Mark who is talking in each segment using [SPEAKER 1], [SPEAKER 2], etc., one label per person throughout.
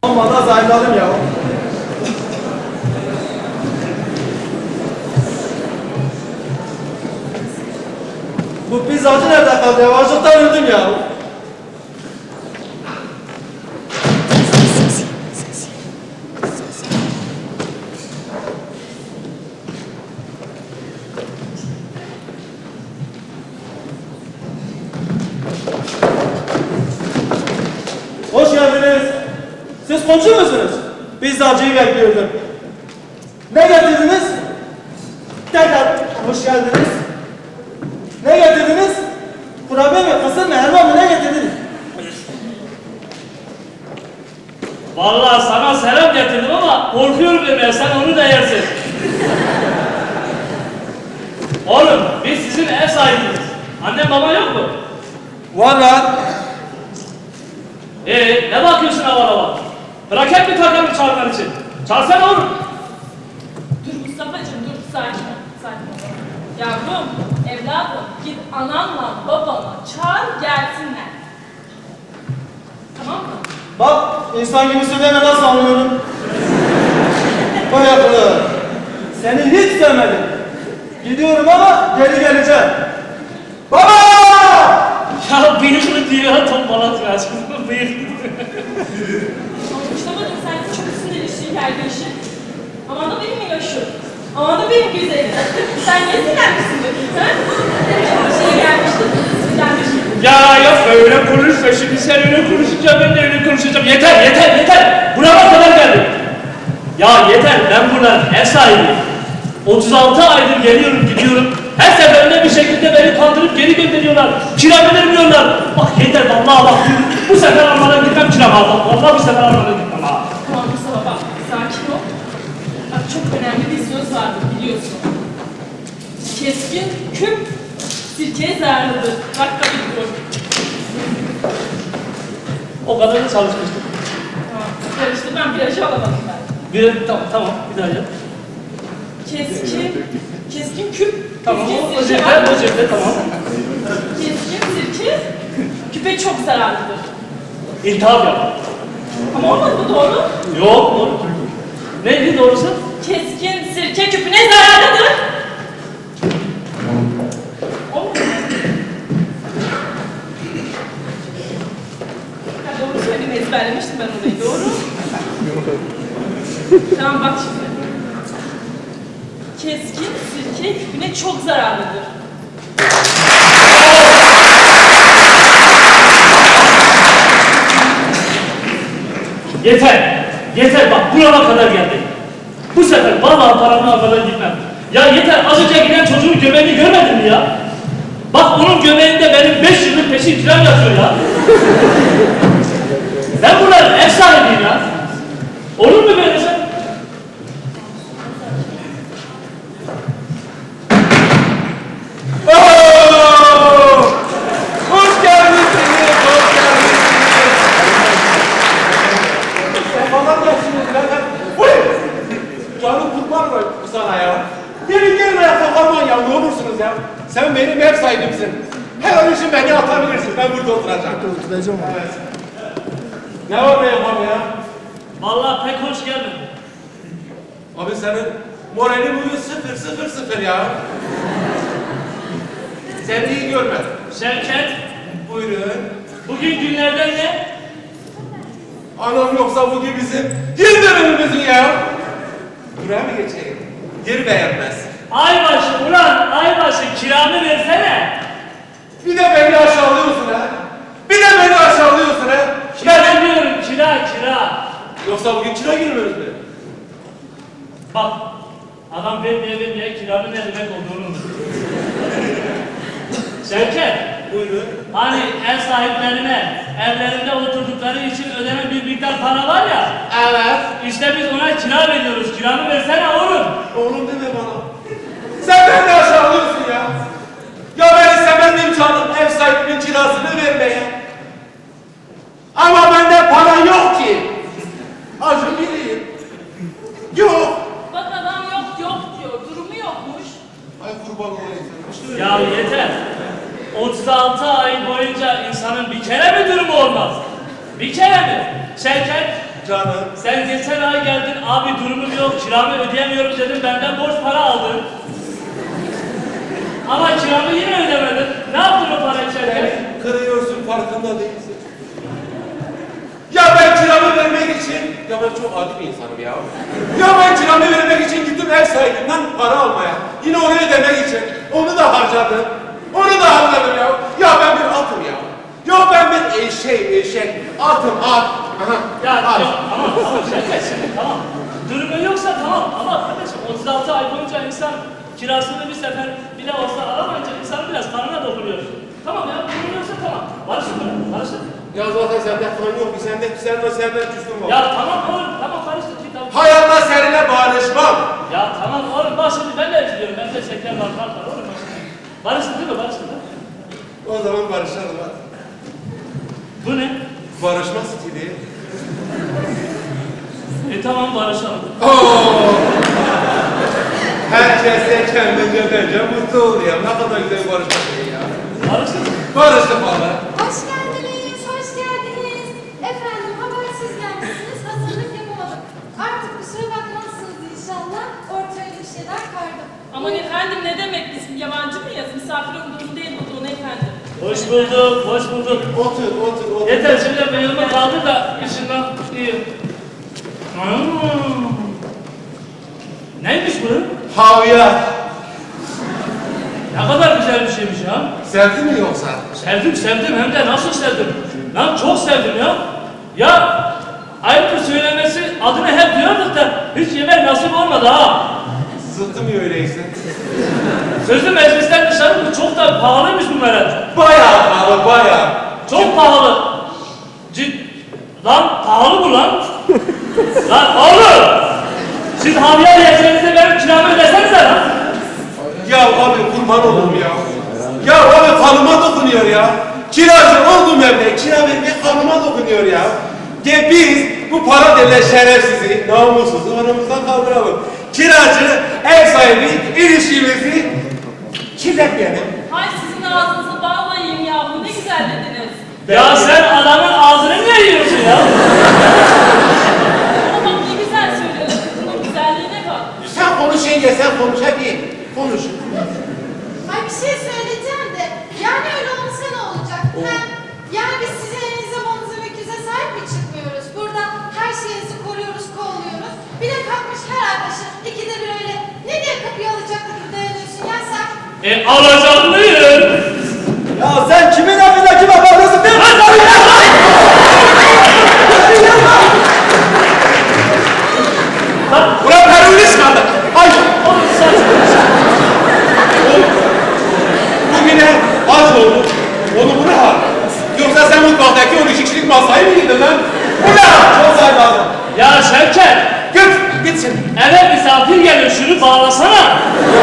[SPEAKER 1] Valla zayıfladım ya. Bu pizzacı nerede kaldı ya? Açlıktan öldüm ya. Hoş geldiniz. Siz komşu musunuz? Pizzacıyı bekliyordum. Ne getirdiniz? Tekrar hoş geldiniz. Ne getirdiniz? Kurabiye mi, kısır mı, helva mı, ne getirdiniz?
[SPEAKER 2] Vallahi sana selam getirdim ama korkuyorum demeye, sen onu da yersin. Oğlum, biz sizin ev sahibiniz. Annem baban yok mu?
[SPEAKER 1] Var lan.
[SPEAKER 2] Ne bakıyorsun hava hava? Bırak bir takamı çağırman için. Çağırsana oğlum.
[SPEAKER 3] Dur Mustafa'cığım dur, sakin ol, sakin ol. Yavrum, evladım, git ananla babana çağır gelsinler. Tamam mı?
[SPEAKER 1] Bak, insan gibi söyleme nasıl anlıyorum. Koy akıllı. Seni hiç sevmedim. Gidiyorum ama geri geleceğim. Baba!
[SPEAKER 2] Ya bıyıklı diyor, tombalatıyor aşkım, bıyıklı.
[SPEAKER 3] Mustafa'cığım sen çok sinirlisin kardeşim. Aman da benim yaşım. Aman da benim güzelim. Sen niye sinirlenmişsin bakayım ha? Şey gelmişti, sinirlenmiştim.
[SPEAKER 2] Ya yok öyle konuşma, şimdi sen öyle konuşunca ben de öyle konuşacağım. Yeter, yeter, yeter! Buraya kadar geldim. Ya yeter, ben buradan ev sahibiyim. 36 aydır geliyorum, gidiyorum. Her seferinde bir şekilde beni kandırıp geri gönderiyorlar. Kiramı vermiyorlar. Bak yeter, vallahi bak. Bu sefer almadan gitmem kiramı aldım. Vallahi bu sefer almadan gitmem ha.
[SPEAKER 3] Tamam Mustafa bak, sakin ol. Bak çok önemli bir söz vardır biliyorsun. Keskin küp sirkeye zararlıdır. Bak tabii dur.
[SPEAKER 2] O kadar da çalışmıştım.
[SPEAKER 3] Tamam, karıştı ben virajı alamadım ben.
[SPEAKER 2] Tamam, bir daha yap.
[SPEAKER 3] Keskin küp.
[SPEAKER 2] Tamam,
[SPEAKER 3] keskin
[SPEAKER 2] o
[SPEAKER 3] sirke
[SPEAKER 2] cepte,
[SPEAKER 3] var.
[SPEAKER 2] o cepte, tamam.
[SPEAKER 3] Keskin sirke küpe çok zararlıdır.
[SPEAKER 2] İltihap yap.
[SPEAKER 3] Ama olmadı bu doğru.
[SPEAKER 2] Yok, doğru. Neydi doğrusu?
[SPEAKER 3] Keskin sirke küpüne zararlıdır. Olmadı. Ha, doğru söyledim, ezberlemiştim ben orayı, doğru. Tamam bak şimdi. Keskin sirke küpüne çok zararlıdır.
[SPEAKER 2] Yeter, yeter bak burama kadar geldi. Bu sefer vallahi paramı almadan gitmem. Ya yeter, az önce giden çocuğun göbeğini görmedin mi ya? Bak onun göbeğinde benim 5 yıllık peşin kiram yatıyor ya. Ben bunların ev sahibiyim ya. Olur mu böyle sen?
[SPEAKER 1] Hoş geldiniz, hoş geldiniz. Sefalar gelsiniz birader. Uy! Canım kurban var sana ya. Gelin ayakta kalmayın ya, ne olursunuz ya. Sen benim ev sahibimsin. Her an için beni atabilirsin, ben burada oturacağım. Oturacağım. Evet. Ne var ne yapalım ya?
[SPEAKER 2] Vallahi pek hoş geldin.
[SPEAKER 1] Abi senin moralin bugün 0-0-0 ya. Seni iyi görmedim.
[SPEAKER 2] Şevket,
[SPEAKER 1] Buyurun.
[SPEAKER 2] bugün günlerden ne?
[SPEAKER 1] Anam yoksa bugün bizim yıl dönümümüzün ya. Buraya mı geçeyim? Geri beğenmez.
[SPEAKER 2] Aybaşı ulan, aybaşı kiramı versene.
[SPEAKER 1] Bir de beni aşağılıyorsun ha. Bir de beni aşağılıyorsun ha.
[SPEAKER 2] Kira diyorum, kira.
[SPEAKER 1] Yoksa bugün kira girmiyoruz mu?
[SPEAKER 2] Bak, adam vermeye kiranın ne demek olduğunu unuttu. Şevket,
[SPEAKER 1] Buyurun.
[SPEAKER 2] hani ev sahiplerine evlerinde oturdukları için ödenen bir miktar para var ya.
[SPEAKER 1] Evet.
[SPEAKER 2] İşte biz ona kira veriyoruz. Kiranı versene oğlum.
[SPEAKER 1] Oğlum deme bana. Sen beni aşağılıyorsun ya. Ya ben istemem miyim canım ev sahibinin kirasını vermeye? Ama bende para yok ki. Acı bileyim. Yok.
[SPEAKER 3] Bak adam yok diyor, durumu yokmuş.
[SPEAKER 1] Ay kurban olayım.
[SPEAKER 2] Ya yeter. 36 ay boyunca insanın bir kere mi durumu olmaz? Bir kere mi? Şevket,
[SPEAKER 1] Canım.
[SPEAKER 2] Sen geçen ay geldin, abi durumum yok, kiramı ödeyemiyorum dedim, benden borç para aldın. Ama kiramı yine ödemedin. Ne yaptın o para içerken?
[SPEAKER 1] Kırıyorsun, farkında değilsin. Ya ben kiramı vermek için, ya ben çok adi bir insanım ya. Ya ben kiramı vermek için gittim ev sahibinden para almaya. Yine onu ödemek için. Onu da harcadım. Onu da harcadım ya. Ya ben bir atım ya. Ya ben bir eşek. Atım, at. Aha,
[SPEAKER 2] Ya
[SPEAKER 1] at.
[SPEAKER 2] yok, tamam Şevket şimdi tamam. Durumun yoksa tamam ama kardeşim 36 ay boyunca insan kirasını bir sefer bile olsa alamayınca insan biraz karnına dokunuyor. Tamam ya durumun yoksa tamam. Barışın mı? Barışın.
[SPEAKER 1] Ya zaten sende kan yok ki, senden küstüm var.
[SPEAKER 2] Ya tamam oğlum tamam barıştık git tamam.
[SPEAKER 1] Hayatta seninle barışmam.
[SPEAKER 2] Ya tamam oğlum bak şimdi ben de üzülüyorum. Bende şeker var kan var oğlum. Barıştın değil mi? Barıştın değil mi?
[SPEAKER 1] O zaman barışalım hadi.
[SPEAKER 2] Bu ne?
[SPEAKER 1] Barışma stili.
[SPEAKER 2] Tamam barışalım.
[SPEAKER 1] Oo! Herkes de kendince bence mutlu oluyor. Ne kadar güzel bir barışma stili ya.
[SPEAKER 2] Barıştın.
[SPEAKER 1] Barıştık valla.
[SPEAKER 4] Hoş geldiniz, hoş geldiniz. Efendim habersiz gelmişsiniz, hazırlık yapamadım. Artık kusura bakmazsınız inşallah. Ortaya bir şeyler kardım.
[SPEAKER 3] Aman efendim ne demek biz yabancı mıyız? Misafir olduğunu değil olduğunu efendim.
[SPEAKER 2] Hoş bulduk, hoş bulduk.
[SPEAKER 1] Otur.
[SPEAKER 2] Yeter şimdi beynime kaldı da işinden iyi. Neymiş bu?
[SPEAKER 1] Havya.
[SPEAKER 2] Ne kadar güzel bir şeymiş ya.
[SPEAKER 1] Sevdin mi yoksa?
[SPEAKER 2] Sevdim hem de nasıl sevdim. Lan çok sevdim ya. Ya ayıptır söylemesi adını hep diyorduk da hiç yemek nasip olmadı ha.
[SPEAKER 1] Zıttı mı öyleyse?
[SPEAKER 2] Sözlü meclisten dışarı çok da pahalıymış bu meret.
[SPEAKER 1] Bayağı pahalı, bayağı.
[SPEAKER 2] Çok pahalı. Lan pahalı mı lan? Lan oğlum! Siz havya yiyeceğinizde benim kiramı ödesenize lan.
[SPEAKER 1] Ya abi kurban olurum ya. Ya abi kanıma dokunuyor ya. Kiracı oldum evde. Kira vermek kanıma dokunuyor ya. Ya biz bu para denilen şerefsizi, namussuzu aramızdan kaldıralım. Kiracı, ev sahibi, ilişkimizi kirletmeyelim.
[SPEAKER 3] Hay sizin ağzınızı balla yiyeyim yahu ne güzel dediniz.
[SPEAKER 2] Ya sen adamın ağzını niye yiyorsun ya?
[SPEAKER 3] Ama bak ne güzel söylüyor kızının güzelliğine bak.
[SPEAKER 1] Sen konuş yenge, sen konuş hadi. Konuş.
[SPEAKER 4] Ay bir şey söyleyeceğim de, yani öyle olsa ne olacak? Hem yani biz sizin elinize bonunuza mektuza sahip mi çıkmıyoruz? Burada her şeyinizi koruyoruz, kolluyoruz. Bir de kalkmış her arkadaşı ikide bir öyle ne diye kapıyı alacaklı gibi dayanıyorsun ya sen?
[SPEAKER 2] Alacaklıyım.
[SPEAKER 5] Ya sen kimin evine kime bakıyorsun? Ben
[SPEAKER 1] Ulan terörist kaldı. Ay.
[SPEAKER 2] Oğlum saçma.
[SPEAKER 1] Bugüne az oldu. Onu bu ne hal? Yoksa sen mutfaktaki 12 kişilik masayı mı yedin lan? Bu ne hal? Çok sayın lazım.
[SPEAKER 2] Ya Şevket,
[SPEAKER 1] Gitsin.
[SPEAKER 2] eve misafir geliyor şunu bağlasana.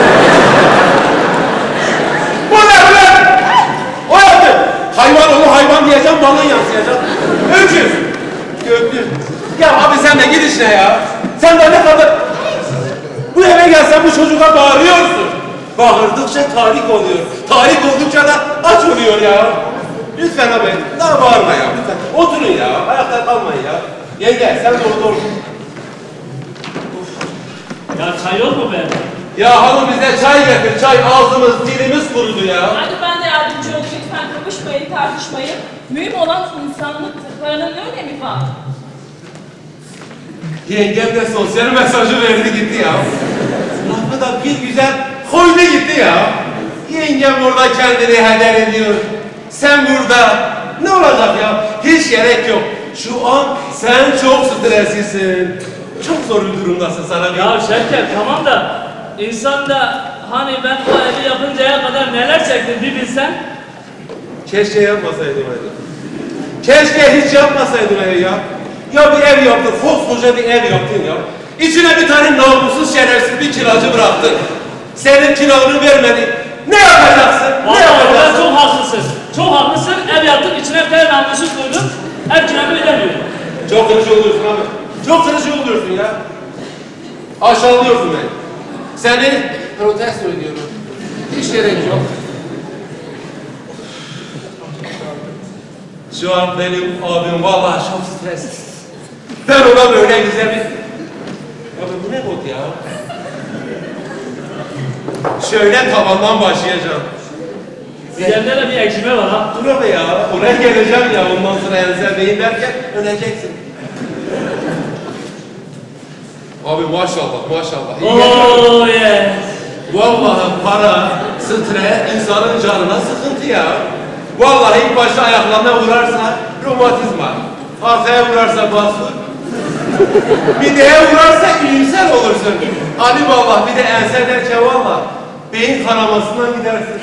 [SPEAKER 1] Bu ne ulan? O yaptı. Hayvan onu hayvan diyeceğim, balın yansıyacak. Öküz. Göklü. Ya abi sen de git işine ya. Sen de ne kadar... Bu eve gelsen bu çocuğa bağırıyorsun. Bağırdıkça tahrik oluyor. Tahrik oldukça da aç oluyor ya. Lütfen abi, daha bağırma ya lütfen. Oturun ya, ayakta kalmayın ya. Yenge, sen de orada otur.
[SPEAKER 2] Ya çay yok mu be?
[SPEAKER 1] Ya hanım bize çay getir, çay ağzımız, dilimiz kurudu ya.
[SPEAKER 3] Hadi ben de yardımcı olayım lütfen kapışmayın tartışmayın. Mühim olan insanlıktır. Paranın ne önemi var?
[SPEAKER 1] Yengem de sosyal mesajı verdi gitti ya. Lafı da bir güzel koydu gitti ya. Yengem orada kendini heder ediyor. Sen burada. Ne olacak ya? Hiç gerek yok. Şu an sen çok streslisin. Çok zor bir durumdasın sana.
[SPEAKER 2] Ya Şevket tamam da insan da hani ben bu evi yapıncaya kadar neler çektim bir bilsen.
[SPEAKER 1] Keşke yapmasaydım öyle. Keşke hiç yapmasaydım öyle ya. Ya bir ev yaptın, koskoca bir ev yaptın ya. İçine bir tane namussuz şerefsiz bir kiracı bıraktın. Senin kiranı vermedi. Ne yapacaksın? Ne
[SPEAKER 2] Vallahi
[SPEAKER 1] yapacaksın?
[SPEAKER 2] sen çok haklısın. Çok haklısın. Ev yaptık içine bir tane namussuz koydum. Ev kiramı ödemiyor.
[SPEAKER 1] Çok kırıcı oluyorsun abi. Çok kırıcı oluyorsun ya. Aşağılıyorsun beni. Seni protesto ediyorum. Hiç gerek yok. Şu an benim abim vallahi çok stresli. Ben ona böyle güzel bir... Abi bu ne bot ya? Şöyle tavandan başlayacağım.
[SPEAKER 2] Üzerinde de bir ekşime var ha.
[SPEAKER 1] Dur abi ya, oraya geleceğim ya, ondan sonra Enzel Bey'in derken öleceksin. Abi maşallah, maşallah.
[SPEAKER 2] Oh yes.
[SPEAKER 1] Vallahi para, stres, insanın canına sıkıntı ya. Vallahi ilk başta ayaklarına vurarsa romatizma, arkaya vurarsa basur, mideye vurarsa iyimser olursun. Ali vallahi bir de ense derken vallahi beyin kanamasından gidersin.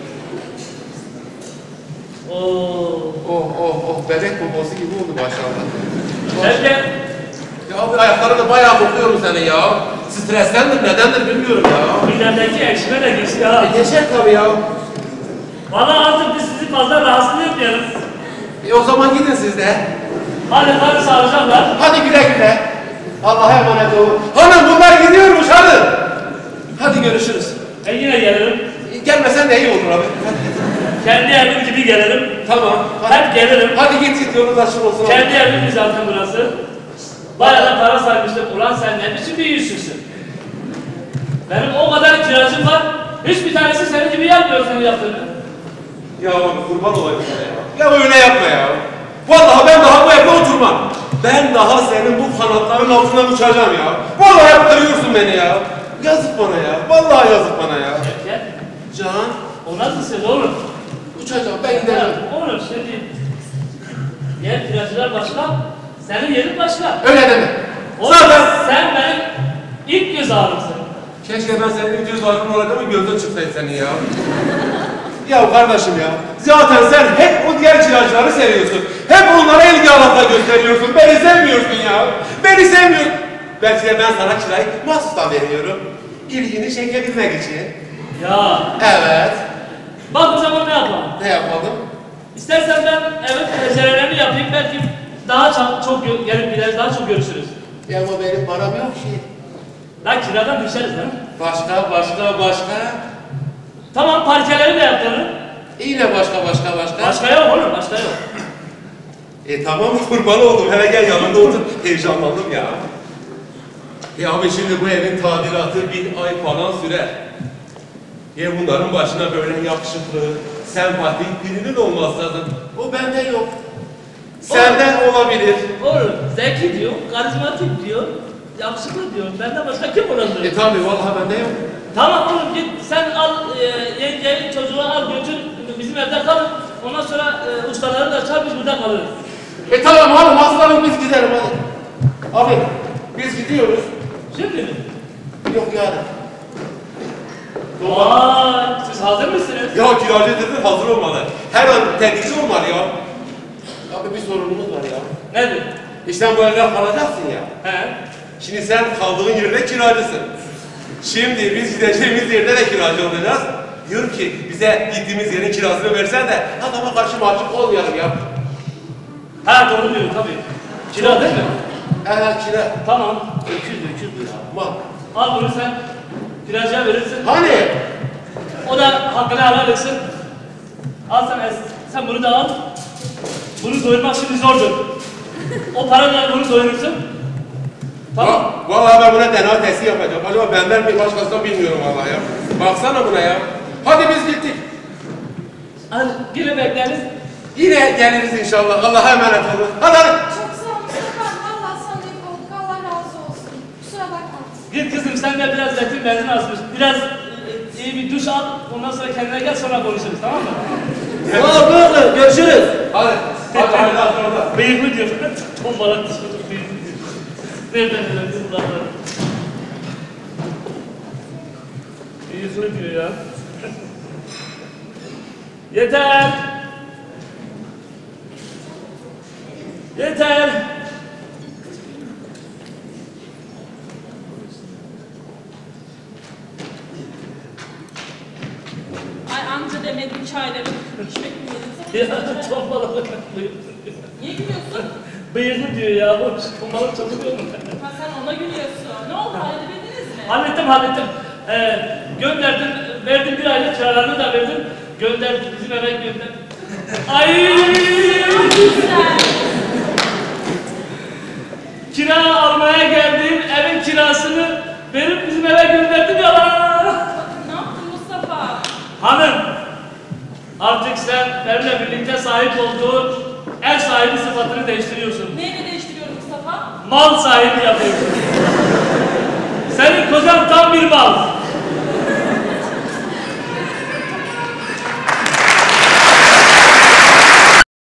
[SPEAKER 1] Oh, bebek bobosu gibi oldu maşallah.
[SPEAKER 2] Nerede?
[SPEAKER 1] Ya abi ayaklarını bayağı kokuyorum senin ya. Streslendir, nedendir bilmiyorum ya.
[SPEAKER 2] Üzerindeki ekşime de geçti ha.
[SPEAKER 1] Geçer tabii ya.
[SPEAKER 2] Valla artık biz sizi fazla rahatsız etmiyoruz.
[SPEAKER 1] O zaman gidin siz de.
[SPEAKER 2] Hadi sağlıcakla.
[SPEAKER 1] Hadi güle güle. Allah'a emanet olun. Hanım bunlar gidiyormuş hanım. Hadi görüşürüz.
[SPEAKER 2] Ben yine gelirim.
[SPEAKER 1] Gelmesen de iyi olur abi.
[SPEAKER 2] Kendi evim gibi gelirim.
[SPEAKER 1] Tamam. Hadi,
[SPEAKER 2] Hep gelirim.
[SPEAKER 1] hadi git yolun açık olsun.
[SPEAKER 2] Kendi evim zaten burası. Bayağı da para saymıştım. Ulan sen ne biçim bir yüzsüzsün. Benim o kadar kiracım var. Hiçbir tanesi senin gibi yapmıyor senin yaptığını.
[SPEAKER 1] Ya abi kurban olayım sana ya. Ya öyle yapma ya. Vallahi ben daha bu evde oturmam. Ben daha senin bu kanatların altından uçacağım ya. Vallahi kırıyorsun beni ya. Yazık bana ya. Vallahi yazık bana ya.
[SPEAKER 2] Gel.
[SPEAKER 1] Can,
[SPEAKER 2] O nasıl söz oğlum?
[SPEAKER 1] uçacağım ben giderim.
[SPEAKER 2] Oğlum şimdi. Diğer kiracılar başka. Senin yerin başka.
[SPEAKER 1] Öyle deme.
[SPEAKER 2] Oğlum
[SPEAKER 1] Zaten
[SPEAKER 2] sen benim ilk göz ağrımsın.
[SPEAKER 1] keşke ben senin göz ağrın olarak ama gözün çıksaydı senin ya. Ya kardeşim ya, zaten sen hep o diğer kiracıları seviyorsun. Hep onlara ilgi alaka gösteriyorsun. Beni sevmiyorsun ya. Beni sevmiyorsun. Belki de ben sana kirayı mahsustan veriyorum. İlgini çekebilmek için.
[SPEAKER 2] Ya.
[SPEAKER 1] Evet.
[SPEAKER 2] Bak o zaman ne yapalım?
[SPEAKER 1] Ne yapalım?
[SPEAKER 2] İstersen ben evet pencerelerini yapayım. Belki daha çok gelip gideriz, daha çok görüşürüz.
[SPEAKER 1] Ya ama benim param yok ki.
[SPEAKER 2] Lan kiradan düşeriz değil mi?
[SPEAKER 1] Başka.
[SPEAKER 2] Tamam parkeleri de yaptırırım.
[SPEAKER 1] Yine başka.
[SPEAKER 2] Başka yok oğlum, başka yok.
[SPEAKER 1] Tamam kurban oldum. Hele gel yanımda otur. Heyecanlandım ya. Ya abi şimdi bu evin tadilatı bir ay falan sürer. Ya bunların başına böyle yakışıklı, sempatik birinin olması lazım. O bende yok. Senden olabilir.
[SPEAKER 2] Oğlum zeki diyor, karizmatik diyor, yakışıklı diyor. Benden başka kim olabilir?
[SPEAKER 1] Tabii vallahi bende yok.
[SPEAKER 2] Tamam oğlum git sen al yengeyi çocuğu al götür bizim evde kalın. Ondan sonra ustaları da çağır biz burada kalırız.
[SPEAKER 1] Tamam hanım aslanım biz gidelim hadi. Abi biz gidiyoruz.
[SPEAKER 2] Şimdi mi?
[SPEAKER 1] Yok yani.
[SPEAKER 2] Vay siz hazır mısınız?
[SPEAKER 1] Ya kiracı dedin hazır olmalı. Her an tedbirci olmalı ya. Abi bir sorunumuz var ya.
[SPEAKER 2] Nedir?
[SPEAKER 1] İşte bu evde kalacaksın ya.
[SPEAKER 2] He?
[SPEAKER 1] Şimdi sen kaldığın yerde kiracısın. Şimdi biz gideceğimiz yerde de kiracı olacağız. Diyor ki bize gittiğimiz yerin kirasını versen de adama karşı mahcup olmayalım ya.
[SPEAKER 2] Ha doğru diyor tabii. Kira değil mi?
[SPEAKER 1] Evet kira.
[SPEAKER 2] Tamam. Öküz bu ya.
[SPEAKER 1] Bak.
[SPEAKER 2] Al bunu sen kiracıya verirsin.
[SPEAKER 1] Hani?
[SPEAKER 2] O da hakkını helal etsin. Al sen bunu da al. Bunu doyurmak şimdi zordur. O parayla bunu doyurursun. Tamam.
[SPEAKER 1] Vallahi ben buna DNA testi yapacağım. Acaba benden mi başkasından bilmiyorum vallahi ya. Baksana buna ya. Hadi biz gittik.
[SPEAKER 2] Hadi yine bekleriz.
[SPEAKER 1] Yine geliriz inşallah. Allah'a emanet olun. Hadi.
[SPEAKER 4] Çok sağ ol Mustafa. Allah sana iyi olduk. Allah razı olsun. Kusura bakma.
[SPEAKER 2] Git kızım sen de biraz zeytin benzin asmış. Biraz iyi bir duş al. Ondan sonra kendine gel sonra konuşuruz tamam mı?
[SPEAKER 5] Buyurun görüşürüz.
[SPEAKER 1] Hadi. Hadi orada.
[SPEAKER 2] Bıyıklı diyor. Tombalak dışarı bıyıklı diyor. Nereden öğrendin bunları? Bıyıklı diyor ya. Yeter! Yeter!
[SPEAKER 3] Ay amca demedim çayları. İçmek mi yedin?
[SPEAKER 2] Ya tombalak bıyıklı diyor.
[SPEAKER 3] Niye gülüyorsun?
[SPEAKER 2] Bıyıklı diyor ya. Tombalak çalışıyor mu?
[SPEAKER 3] Ha sen ona gülüyorsun. Ne oldu halledebildiniz mi?
[SPEAKER 2] Hallettim. Gönderdim, verdim bir aylık kiralarını da verdim. Gönderdim, bizim eve gönderdim. Ay!
[SPEAKER 3] Güzel.
[SPEAKER 2] oturmaya geldiğin evin kirasını verip bizim eve gönderdim ya lan.
[SPEAKER 3] Ne yaptın Mustafa?
[SPEAKER 2] Hanım, artık sen benimle birlikte sahip olduğun ev sahibi sıfatını değiştiriyorsun.
[SPEAKER 3] Neyle değiştiriyorum Mustafa?
[SPEAKER 2] Mal sahibi yapıyorsun. Senin kocan tam bir mal.